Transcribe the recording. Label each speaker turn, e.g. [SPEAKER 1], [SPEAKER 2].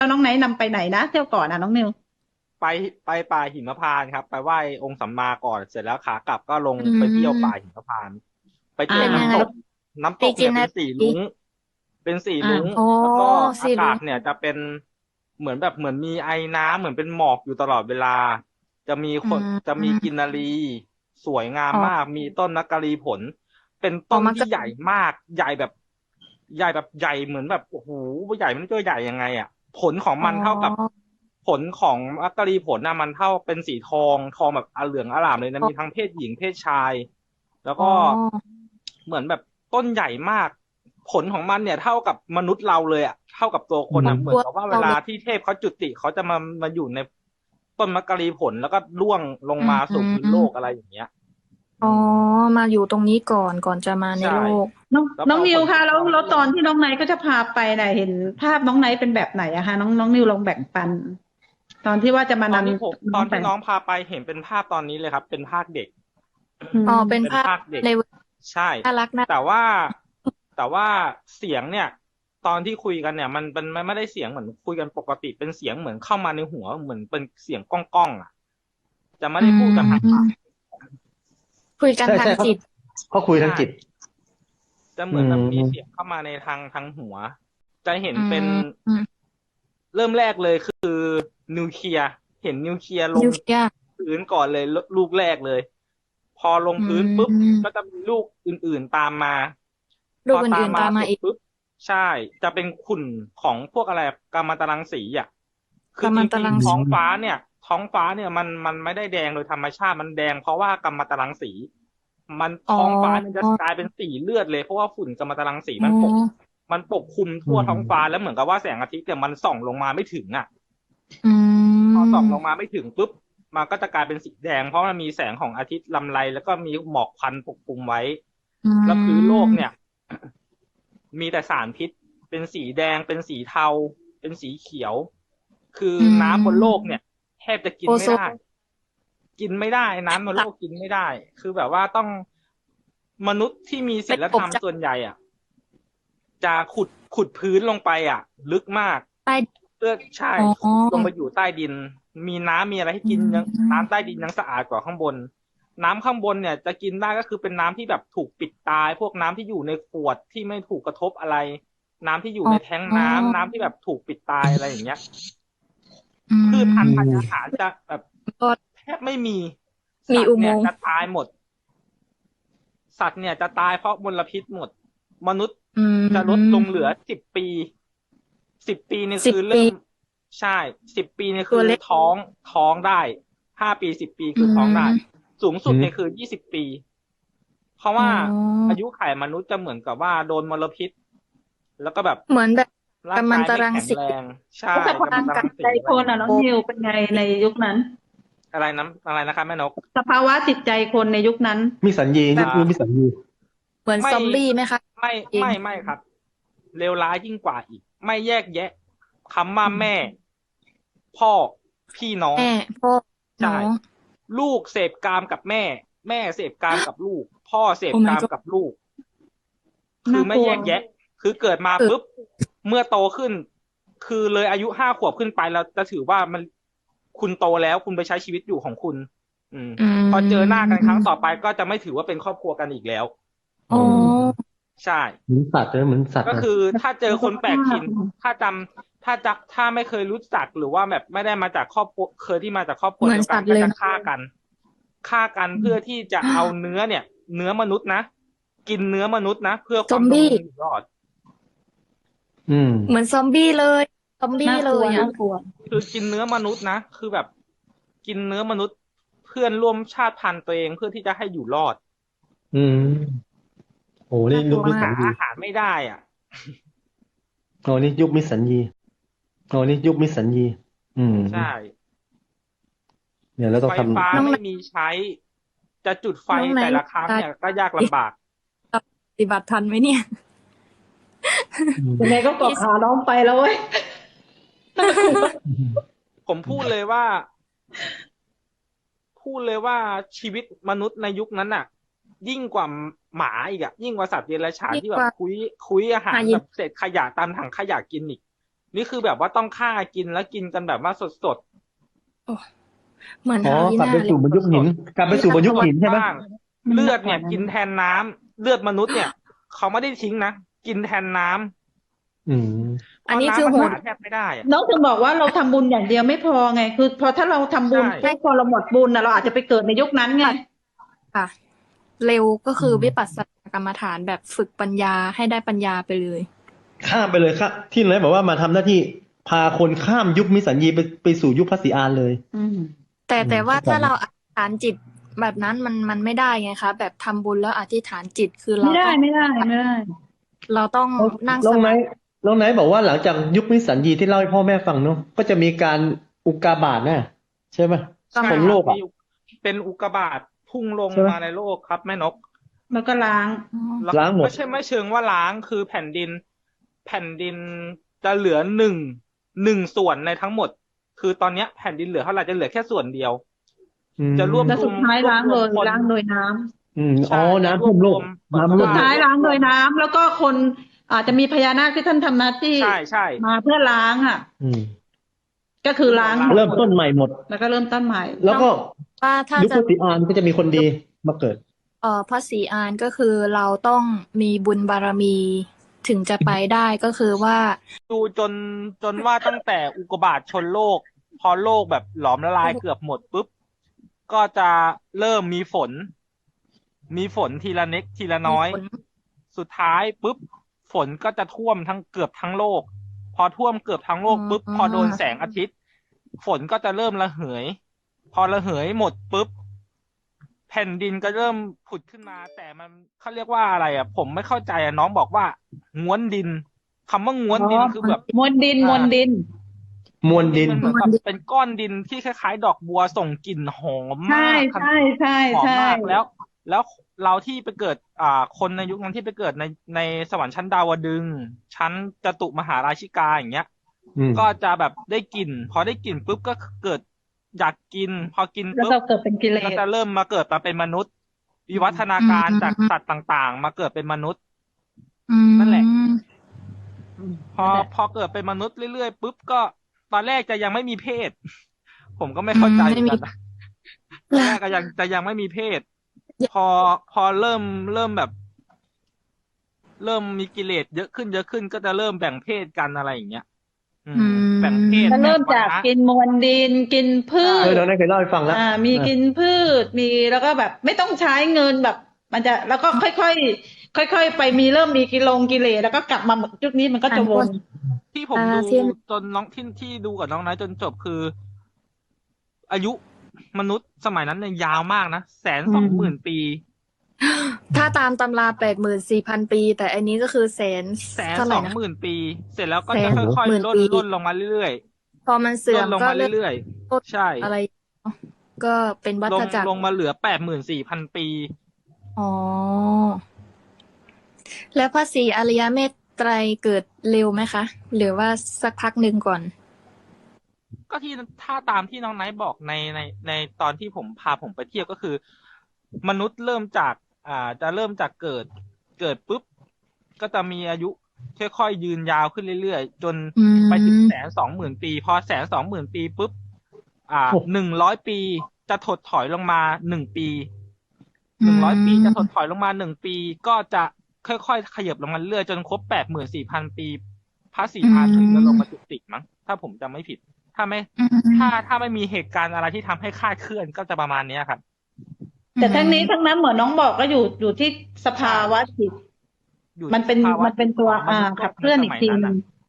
[SPEAKER 1] แล้วน้องไนท์นำไปไหนนะเที่ยวก่อนน้องนิว
[SPEAKER 2] ไปไปป่าหิมพานต์ครับไปไหว้องค์สัมมาก่อนเสร็จแล้วขากลับก็ลง
[SPEAKER 3] อื
[SPEAKER 2] ไปเที่ยวป่าหิ
[SPEAKER 3] ม
[SPEAKER 2] มพานต์ไปเจ
[SPEAKER 1] อ่า
[SPEAKER 2] อ
[SPEAKER 3] เป็นยังไง
[SPEAKER 2] น้ำตกน้ำต
[SPEAKER 3] ไป
[SPEAKER 2] กเนี่ยเป็น
[SPEAKER 3] กินนาที
[SPEAKER 2] สีลุ้งเป็นสี
[SPEAKER 1] อ่า
[SPEAKER 2] ลุ้ง
[SPEAKER 3] อ๋อ
[SPEAKER 2] แล้วก็อา
[SPEAKER 3] สีลุง
[SPEAKER 2] กาศเนี่ยจะเป็นเหมือนแบบเหมือนมีไอน้ำเหมือนเป็นหมอกอยู่ตลอดเวลาจะมี
[SPEAKER 3] อื
[SPEAKER 2] คนจะมี
[SPEAKER 3] ม
[SPEAKER 2] กินนารีสวยงาม
[SPEAKER 3] อ๋อ
[SPEAKER 2] มากมีต้นมักกะลีผลเป็น
[SPEAKER 3] อ๋อมันก็
[SPEAKER 2] ต้นที่ใหญ่มากใหญ่แบบใหญ่แบบใหญ่เหมือนแบบโอ้โหใหญ่มันจะใหญ่ยังไงอ่ะผลของ
[SPEAKER 3] อ๋อ
[SPEAKER 2] มันเท่ากับ ผลของมักกะลีผลน่ะมันเท่าเป็นสีทองทองแบบเหลืองอร่ามเลยนะมีทั้งเพศหญิงเพศชายแล้ว
[SPEAKER 3] อ๋อ
[SPEAKER 2] ก็เหมือนแบบต้นใหญ่มากผลของมันเนี่ยเท่ากับมนุษย์เราเลยอ่ะเท่ากับตัวคนอ่ะเหมือน
[SPEAKER 3] ตัว
[SPEAKER 2] กับว่าเว
[SPEAKER 3] เราเลย
[SPEAKER 2] ลาที่เทพเขาจุติเขาจะมาอยู่ในต้นมักกะลีผลแล้วก็ร่วงลง
[SPEAKER 3] อื
[SPEAKER 2] มาสู่พื้นโลก
[SPEAKER 3] ม
[SPEAKER 2] อะไรอย่างเงี้ยอื
[SPEAKER 3] อ๋อ
[SPEAKER 2] ม
[SPEAKER 3] มาอยู่ตรงนี้ก่อนจะมาใน
[SPEAKER 2] ใช่
[SPEAKER 3] โลก
[SPEAKER 1] น้อง
[SPEAKER 2] แล้วพอ
[SPEAKER 1] นิวค่ะ
[SPEAKER 2] ฝนตก
[SPEAKER 1] แล้วต
[SPEAKER 2] มาก็ร่วง
[SPEAKER 1] อนที่น้องไนท์ก็จะพาไปน่ะเห็นภาพน้องไนท์เป็นแบบไหนอะคะน้องนิวลองแบ่งปันตอนที่ว่าจะมาน
[SPEAKER 2] ตอนที่ผม
[SPEAKER 1] ำน้องไป
[SPEAKER 2] ตอนที่น้องพาไปเห็นเป็นภาพตอนนี้เลยครับเป็นภาคเด็ก
[SPEAKER 1] อื
[SPEAKER 3] อ๋อ
[SPEAKER 1] ม
[SPEAKER 2] เป็น
[SPEAKER 3] เป็นภาพ
[SPEAKER 2] ภาคเด็ก
[SPEAKER 3] ในเว
[SPEAKER 2] ใช่
[SPEAKER 3] น่ารักน่า
[SPEAKER 2] แต่ว่าแต่ว่าเสียงเนี่ยตอนที่คุยกันเนี่ยมันไม่ได้เสียงเหมือนคุยกันปกติเป็นเสียงเหมือนเข้ามาในหัวเหมือนเป็นเสียงก้องๆอ่ะจะไม่
[SPEAKER 3] อื
[SPEAKER 2] ได้พูดกันทางปาก
[SPEAKER 3] มคุยกัน
[SPEAKER 4] ใช่ใช่เขา
[SPEAKER 3] ทางจิต
[SPEAKER 4] เขาคุยทาง
[SPEAKER 2] ใช่
[SPEAKER 4] จิต
[SPEAKER 2] จะเห
[SPEAKER 4] อื
[SPEAKER 2] มือนแบบมีเสียง
[SPEAKER 4] ม
[SPEAKER 2] เข้ามาในทางหัวจะเห็น
[SPEAKER 3] อื
[SPEAKER 2] เป็น
[SPEAKER 3] มอืม
[SPEAKER 2] เริ่มแรกเลยคือนิวเคลียร์เห็นนิวเคลียร์ลง
[SPEAKER 3] นิวเคลียร์
[SPEAKER 2] พื้นก่อนเลยลูกแรกเลยพอลง
[SPEAKER 3] อื
[SPEAKER 2] พื้นปุ๊บก็
[SPEAKER 3] ม
[SPEAKER 2] จะมีลูกอื่นๆตามมาพ
[SPEAKER 3] ลูกอื่นๆ
[SPEAKER 2] อตามมา
[SPEAKER 3] ตามมาอีก
[SPEAKER 2] เสร็จปุ๊บใช่จะเป็นขุ่นของพวกอะไรกัมมันตรังสีอ่ะคือจ
[SPEAKER 3] กัมมันตรังสี
[SPEAKER 2] ริงๆท้องฟ้าเนี่ยท้องฟ้าเนี่ยมันไม่ได้แดงโดยธรรมชาติมันแดงเพราะว่ากัมมันตรังสีมัน
[SPEAKER 3] อ๋อ
[SPEAKER 2] ท้องฟ้ามันจะกลายเป็นสีเลือดเลยเพราะว่าฝุ่นกัมมันตรังสี
[SPEAKER 3] อ๋อ
[SPEAKER 2] มันปกคลุม
[SPEAKER 4] อื
[SPEAKER 2] ทั่วท้องฟ้า
[SPEAKER 4] ม
[SPEAKER 2] แล้วเหมือนกับว่าแสงอาทิตย์เนี่ยมันส่องลงมาไม่ถึงอ่ะ
[SPEAKER 3] อื
[SPEAKER 2] พอส่องลง
[SPEAKER 3] ม
[SPEAKER 2] มาไม่ถึงปุ๊บมันก็จะกลายเป็นสีแดงเพราะมันมีแสงของอาทิตย์ลำไรแล้วก็มีหมอกควันปกคลุมไว้
[SPEAKER 3] อื
[SPEAKER 2] แล้วพื้นโลกเนี่ย
[SPEAKER 3] ม
[SPEAKER 2] มีแต่สารพิษเป็นสีแดงเป็นสีเทาเป็นสีเขียวคือ
[SPEAKER 3] อื
[SPEAKER 2] น้ำบนโลก
[SPEAKER 3] ม
[SPEAKER 2] เนี่ยแทบจะกิ
[SPEAKER 3] โอโซ
[SPEAKER 2] นไม่ได้
[SPEAKER 3] น
[SPEAKER 2] กินไม่ได้น้ำบนโลกกินไม่ได้คือแบบว่าต้องมนุษย์ที่มีศี
[SPEAKER 3] เป็น
[SPEAKER 2] ลธรรม
[SPEAKER 3] กบจาก
[SPEAKER 2] ส่วนใหญ่อ่ะจะขุดพื้นลงไปอ่ะลึกมาก
[SPEAKER 3] ใต้
[SPEAKER 2] เพื่อใช่
[SPEAKER 3] อ๋
[SPEAKER 2] ขุดลงไป
[SPEAKER 3] อ
[SPEAKER 2] อยู่ใต้ดินมีน้ำมีอะไรให้
[SPEAKER 3] อื
[SPEAKER 2] กินยังน้ำใต้
[SPEAKER 3] ม
[SPEAKER 2] ดินยังสะอาดกว่าข้างบนน้ำข้างบนเนี่ยจะกินได้ก็คือเป็นน้ำที่แบบถูกปิดตายพวกน้ำที่อยู่ในขวดที่ไม่ถูกกระทบอะไรน้ำที่อยู่
[SPEAKER 3] อ๋
[SPEAKER 2] ในแท้งน้ำที่
[SPEAKER 3] อ
[SPEAKER 2] แบบถูกปิดตายอะไรอย่างเงี้ย
[SPEAKER 3] อื
[SPEAKER 2] พืชพัน
[SPEAKER 4] อื
[SPEAKER 2] ธุ์ธัญญาหาร
[SPEAKER 4] ม
[SPEAKER 2] จะแบบ
[SPEAKER 3] ก็
[SPEAKER 2] แทบไม่มี
[SPEAKER 3] มี
[SPEAKER 2] สัตว์เนี่ย
[SPEAKER 3] อุโมงค์
[SPEAKER 2] จะตายหมดสัตว์เนี่ยจะตายเพราะมลพิษหมดมนุษย์
[SPEAKER 3] อื
[SPEAKER 2] จะลดลงเหลือ
[SPEAKER 3] ม
[SPEAKER 2] 10 ปีนี่
[SPEAKER 3] สิบปี
[SPEAKER 2] คือเริ่มใช่10 ปีนี่คือ
[SPEAKER 3] ตัวเล็ก
[SPEAKER 2] ท้องได้5 ปี10 ปี
[SPEAKER 3] อื
[SPEAKER 2] คือท้องได้
[SPEAKER 3] ม
[SPEAKER 2] สูงสุ
[SPEAKER 4] อืม
[SPEAKER 2] ดเนี่ยคือ20 ปีเพราะ
[SPEAKER 3] อ๋อ
[SPEAKER 2] ว่าอายุขัยมนุษย์จะเหมือนกับว่าโดนมลพิษแล้วก็แบบ
[SPEAKER 3] เหมือนแบบ
[SPEAKER 2] ร่าง
[SPEAKER 3] กัมมัน
[SPEAKER 2] กายไม่แข็ง
[SPEAKER 3] ตรังสี
[SPEAKER 2] แรงใช่
[SPEAKER 1] แล้วสภาวะ
[SPEAKER 2] กัมมันต
[SPEAKER 3] ร่างกาย
[SPEAKER 2] รังสี
[SPEAKER 1] จิตใจคน
[SPEAKER 2] อะไรอย่างเงี้ย
[SPEAKER 1] น้องนิวเป็นไงในยุคนั้น
[SPEAKER 2] อะไรนะครับแม่นก
[SPEAKER 1] สภาวะจิตใจคนในยุคนั้น
[SPEAKER 4] มีสัญญี
[SPEAKER 3] แบบ
[SPEAKER 4] ยุคมีสัญญี
[SPEAKER 3] เหมือนซ
[SPEAKER 2] ไม่
[SPEAKER 3] อมบี้ไหมคะ
[SPEAKER 2] ไม่
[SPEAKER 3] เอง
[SPEAKER 2] ไม่ครับเลวร้ายยิ่งกว่าอีกไม่แยกแยะคำว่าแม่พ่อพี่น้อง
[SPEAKER 3] แม่พ่อน้อ
[SPEAKER 2] ใช่
[SPEAKER 3] ง
[SPEAKER 2] ลูกเสพกามกับแม่แม่เสพกามกับลูกพ่อเสพ
[SPEAKER 3] โอ้ my
[SPEAKER 2] กาม
[SPEAKER 3] god
[SPEAKER 2] กับลูกคือไม่
[SPEAKER 1] น่ากลัว
[SPEAKER 2] แยกแยะคือเกิดมา
[SPEAKER 3] เออ
[SPEAKER 2] ปุ๊บเมื่อโตขึ้นคือเลยอายุ5 ขวบขึ้นไปเราจะถือว่ามันคุณโตแล้วคุณไปใช้ชีวิตอยู่ของคุณอืม
[SPEAKER 3] อื
[SPEAKER 2] พอเจอหน้ากันครั้งต่อ
[SPEAKER 3] ม
[SPEAKER 2] ไปก็จะไม่ถือว่าเป็นครอบครัวกันอีกแล้ว
[SPEAKER 3] อ๋อ
[SPEAKER 4] อ๋อ
[SPEAKER 2] ใช่
[SPEAKER 4] เหมือนสัตว์เลยเหมือนสัตว์เลย
[SPEAKER 2] ก็คือถ้าเจอ
[SPEAKER 1] แล้ว
[SPEAKER 2] คนแปลก
[SPEAKER 1] ก็ภาพ
[SPEAKER 2] ถิ่นถ้าไม่เคยรู้จักหรือว่าแบบไม่ได้มาจากครอบครัวเคยที่มาจากครอบครัว
[SPEAKER 3] เหมือน
[SPEAKER 2] เดียวกันก็จะ
[SPEAKER 3] สัตว์เลยนะ
[SPEAKER 2] ฆ่ากันเพื่อที่จะเอาเนื้อเนี่ยเนื้อมนุษย์นะกินเนื้อมนุษย์นะเพื่อความดำร
[SPEAKER 3] ซอมบี้
[SPEAKER 2] งอยู่รอด
[SPEAKER 4] อืม
[SPEAKER 3] เหมือนซอมบี้เลยซอมบี้
[SPEAKER 1] น่ากลัว
[SPEAKER 3] เลยอ่ะ
[SPEAKER 1] น่ากลัว
[SPEAKER 2] คือกินเนื้อมนุษย์นะคือแบบกินเนื้อมนุษย์เพื่อนร่วมชาติพันธุ์ตัวเองเพื่อที่จะให้อยู่รอด
[SPEAKER 4] อืมโอ้นี่
[SPEAKER 3] น่าก
[SPEAKER 4] ยุค
[SPEAKER 3] ลัวมาก
[SPEAKER 4] มิสัญญี
[SPEAKER 2] หาอาหารไม่ได้อ่ะ
[SPEAKER 4] โอ้นี่ยุคมิสัญญีโอ้นี่ยุคมิสัญญีอืม
[SPEAKER 2] ใช่
[SPEAKER 4] เนี่ยแล้วต้
[SPEAKER 2] ไฟ
[SPEAKER 4] องท
[SPEAKER 2] ฟ้า
[SPEAKER 3] น้อง
[SPEAKER 2] ไม่
[SPEAKER 3] ไหน
[SPEAKER 2] มีใช้จะจุดไฟ
[SPEAKER 3] น้องไหน
[SPEAKER 2] แต่ละครั้งเนี่ยก็ยากลำบาก
[SPEAKER 3] ปฏิบัติทันไหมเนี่ย
[SPEAKER 4] ำอืม
[SPEAKER 1] ยังไงก็เกาะ
[SPEAKER 3] พี่
[SPEAKER 1] ขาน้องไปแล้วเว้ยน่ากลัว
[SPEAKER 2] ผมพูดเลยว่าชีวิตมนุษย์ในยุคนั้นน่ะยิ่งกว่าหมาอีกอะยิ่งกว่าสัตว์เดรัจฉานที่แบบ
[SPEAKER 3] ยิ่งกว่า
[SPEAKER 2] คุยอาหาร
[SPEAKER 3] หายิน
[SPEAKER 2] แบบเศษขยะตามถังขยะกินอีกนี่คือแบบว่าต้องฆ่ากินแล้วกินกันแบบว่าสด
[SPEAKER 3] โอ้เหมือน
[SPEAKER 4] อ๋อ
[SPEAKER 3] หาย
[SPEAKER 4] กลับ
[SPEAKER 3] นา
[SPEAKER 4] ไป
[SPEAKER 3] เล
[SPEAKER 4] สู่
[SPEAKER 3] ย
[SPEAKER 4] บรรยุคหิน กลับไปสู่บรรยุคหิน
[SPEAKER 2] ๆ
[SPEAKER 4] ใช่ไหม
[SPEAKER 2] บ้างเลือดเนี่ยกินแทนน้ำเลือดมนุษย์เนี่ยเขาไม่ได้ทิ้งนะกินแทนน้ำ
[SPEAKER 4] อืม
[SPEAKER 2] เพ
[SPEAKER 3] อัน
[SPEAKER 2] ราะ
[SPEAKER 3] นี้คือ
[SPEAKER 2] น้ำมัน
[SPEAKER 3] โหด
[SPEAKER 2] หาแทบไม่ได้อะ
[SPEAKER 1] น้องถึงบอกว่าเราทำบุญอย่างเดียวไม่พอไง คือพอถ้าเราทำบุญ
[SPEAKER 2] ใช่
[SPEAKER 1] ปุ๊บพอเราหมดบุญนะเราอาจจะไปเกิดในยุคนั้นไง
[SPEAKER 3] ค่ะ เร็วก็คืออ
[SPEAKER 4] ม
[SPEAKER 3] วิปัสสนากรรมฐานแบบฝึกปัญญาให้ได้ปัญญาไปเลย
[SPEAKER 4] ข้ามไปเลยครับที่เลยบอกว่ามาทำหน้าที่พาคนข้ามยุคมิสสัญญีไปสู่ยุคพระศรีอานเลย
[SPEAKER 1] อืม
[SPEAKER 3] แต่ว่า
[SPEAKER 4] เข้าใจ
[SPEAKER 3] ถ้าเราอธิษฐานจิตแบบนั้นมันไม่ได้ไงคะ แบบทำบุญแล้วอธิษฐานจิตคือเรา
[SPEAKER 1] ไม่ได้
[SPEAKER 3] ต้อง
[SPEAKER 1] ไม่ได้ไม่ได้
[SPEAKER 3] เราต้องนั่ง
[SPEAKER 4] น้
[SPEAKER 3] ส
[SPEAKER 4] องไน
[SPEAKER 3] มาธิ
[SPEAKER 4] ท์น้องไนท์บอกว่าหลังจากยุคมิสสัญญีที่เล่าให้พ่อแม่ฟังเนาะก็จะมีการอุกกาบาตนะใช่ไหม
[SPEAKER 3] ก็
[SPEAKER 2] ใช่
[SPEAKER 3] มา
[SPEAKER 4] ของ
[SPEAKER 2] ค
[SPEAKER 4] โล
[SPEAKER 2] รับ
[SPEAKER 4] กอ่ะ
[SPEAKER 2] มีเป็นอุกกาบาตพุ่งลง
[SPEAKER 4] ใช่ไหม
[SPEAKER 2] มาในโลกครับแม่นก
[SPEAKER 1] แล้วก็ล้าง
[SPEAKER 3] อ๋อ
[SPEAKER 2] แล้ว
[SPEAKER 4] ล้างหมด
[SPEAKER 2] ไม่เชิงว่าล้างคือแผ่นดินจะเหลือหนึ่งส่วนในทั้งหมด คือตอนเนี้ยแผ่นดินเหลือเท่าไหร่จะเหลือแค่ส่วนเดียว
[SPEAKER 4] อืม
[SPEAKER 2] จะรวบ
[SPEAKER 1] แล้ว
[SPEAKER 2] ร
[SPEAKER 1] สุ
[SPEAKER 2] ว
[SPEAKER 1] ด
[SPEAKER 2] ม
[SPEAKER 1] ท้าย
[SPEAKER 2] รวบ
[SPEAKER 1] ล้าง
[SPEAKER 2] ร
[SPEAKER 1] โด
[SPEAKER 2] วม
[SPEAKER 1] ย
[SPEAKER 2] คน
[SPEAKER 1] ล้างโดยน้ำ
[SPEAKER 4] อ๋อ
[SPEAKER 2] ใช่
[SPEAKER 4] น้ำ
[SPEAKER 2] จะร
[SPEAKER 4] ท่
[SPEAKER 2] ว
[SPEAKER 4] ว
[SPEAKER 2] บ
[SPEAKER 4] มโล
[SPEAKER 2] รว
[SPEAKER 4] ก
[SPEAKER 2] ม
[SPEAKER 4] น้ำ
[SPEAKER 1] สุ
[SPEAKER 4] ท่ว
[SPEAKER 1] ด
[SPEAKER 4] มโล
[SPEAKER 1] ท้าย
[SPEAKER 4] ก
[SPEAKER 1] ล้างโดยน้ำแล้วก็คนอาจจะมีพญานาคที่ท่านทำหน้าที่
[SPEAKER 2] ใช่
[SPEAKER 1] มาเพื่อล้างอ่ะ
[SPEAKER 4] อืม
[SPEAKER 1] ก็คือล้างหมด
[SPEAKER 4] เริ่มต้นใหม่หมด
[SPEAKER 1] แล้วก็เริ่มต้นใหม่
[SPEAKER 4] แล้วก็
[SPEAKER 3] ว่าถ้า
[SPEAKER 4] ยุค
[SPEAKER 3] จะ
[SPEAKER 4] พระศรีอานก็จะมีคนดีมาเกิด
[SPEAKER 3] พระศรีอานก็คือเราต้องมีบุญบารมีถึงจะไปได้ก็คือว่า
[SPEAKER 2] ดูจนว่าตั้งแต่อุกกาบาตชนโลก พอโลกแบบหลอมละลายเกือบหมดปุ๊บก็จะเริ่มมีฝนทีละเล็กทีละน้อย
[SPEAKER 3] มีฝน
[SPEAKER 2] สุดท้ายปุ๊บฝนก็จะท่วมเกือบทั้งโลก พอท่วมเกือบทั้งโลกปุ๊บพอโดนแสงอาทิตย์ ฝนก็จะเริ่มระเหย พอระเหยหมดปุ๊บแผ่นดินก็เริ่มผุดขึ้นมา แต่มันเขาเรียกว่าอะไรอ่ะ ผมไม่เข้าใจอ่ะน้องบอกว่าง้วนดินคำว่าง้วนดินคือแบบ
[SPEAKER 1] มวลดินมวลดิน
[SPEAKER 4] มวลดิน
[SPEAKER 2] มันเหมือนแบบเป็นก้อนดินที่คล้ายๆ ดอกบัวส่งกลิ่นหอม
[SPEAKER 1] ใช่
[SPEAKER 2] มาก
[SPEAKER 1] ใช่ใช่
[SPEAKER 2] หอม
[SPEAKER 1] ใช่
[SPEAKER 2] มากแล้วเราที่ไปเกิดคนในยุคนั้นที่ไปเกิดในสวรรค์ชั้นดาวดึงส์ชั้นจตุมหาราชิกาอย่างเงี้ย
[SPEAKER 4] อืม
[SPEAKER 2] ก็จะแบบได้กลิ่น พอได้กลิ่นปุ๊บก็เกิดอยากกิน พอกิน
[SPEAKER 1] แล้ว
[SPEAKER 2] ปุ๊บ
[SPEAKER 1] เราเกิดเป็นกิเล
[SPEAKER 2] ก็
[SPEAKER 1] ส
[SPEAKER 2] จะเริ่มมาเกิดมาเป็นมนุษย์ วิวัฒนาการจากสัตว์ต่างๆ มาเกิดเป็นมนุษย์ นั่นแหละ พอเกิดเป็นมนุษย์เรื่อยๆปุ๊บก็ตอนแรกจะยังไม่มีเพศ ผมก็ไม่เข้าใจเหมือนกันนะตอนแรกก็ยังไม่มีเพศ พอเริ่มแบบ เริ่มมีกิเลสเยอะขึ้นก็จะเริ่มแบ่งเพศกันอะไรอย่างเงี้ย แบ่งเพศ
[SPEAKER 1] มันเริ่มจาก
[SPEAKER 2] แบ่งวรรณะ
[SPEAKER 1] กินมวลดินกินพืช
[SPEAKER 4] น้องไนท์เคยเล่าให้ฟังแล้ว
[SPEAKER 1] มีกินพืชมีแล้วก็แบบไม่ต้องใช้เงินแบบ มันจะแล้วก็ค่อยๆไปเริ่มมีกิเลสแล้วก็กลับมาจุดนี้มันก็จะวน
[SPEAKER 2] ที่ผมดูจนน้องที่ดูกับน้องไนท์จนจบคือ อายุมนุษย์สมัยนั้นเนี่ยยาวมากนะ120,000 ปี
[SPEAKER 3] ถ้าตามตำรา84,000 ปี แต่อันนี้ก็คือเท่าไหร่นะ
[SPEAKER 2] 120,000 ปี เสร็จแล้วก็จะ
[SPEAKER 3] 120,000
[SPEAKER 2] ค่อยๆ
[SPEAKER 3] ปี
[SPEAKER 2] ล่นลงมาเรื่อย
[SPEAKER 3] พอมัน
[SPEAKER 2] ๆ
[SPEAKER 3] เสื่อ
[SPEAKER 2] ล่
[SPEAKER 3] ม
[SPEAKER 2] นลง
[SPEAKER 3] ก็
[SPEAKER 2] มา
[SPEAKER 3] เริ่ม
[SPEAKER 2] เรื่อยๆใช่
[SPEAKER 3] อะไรก็เป็นวัฏจักร
[SPEAKER 2] ลงมาเหลือ84,000 ปี
[SPEAKER 3] อ๋อ แล้วพระศรีอริยเมตไตรเกิดเร็วไหมคะ หรือว่าสักพักหนึ่งก่อน
[SPEAKER 2] ก็ถ้าตามที่น้องไนท์บอกในตอนที่พาผมไปเที่ยวก็คือ มนุษย์เริ่มจากจะเริ่มจากเกิดปุ๊บก็จะมีอายุค่อยๆยืนยาวขึ้นเรื่อยๆจนไปถึง120,000 ปี พอ120,000 ปีปุ๊บ100 ปีจะถดถอยลงมา1 ปี100 ปีจะถดถอยลงมา1 ปีก็จะค่อยๆขยับลงมาเรื่อยจนครบ84,000 ปีพระศรีอานถึงจะลงมาจุติมั้งถ้าผมจำไม่ผิด ถ้าไม่มีเหตุการณ์อะไรที่ทำให้คลาดเคลื่อนก็จะประมาณนี้ครับ
[SPEAKER 1] แต่ทั้งนี้ทั้งนั้นเหมือนน้องบอกก็อยู่ที่สภาวะจิต
[SPEAKER 2] อยู่
[SPEAKER 1] มันเป็น
[SPEAKER 2] ที่สภาวะ
[SPEAKER 1] มันเป็นตัว
[SPEAKER 2] ของมนุษย์
[SPEAKER 1] ขับเคลื่อนอีกที
[SPEAKER 2] ในสมัย
[SPEAKER 1] นึ
[SPEAKER 2] นั้
[SPEAKER 1] ง
[SPEAKER 2] น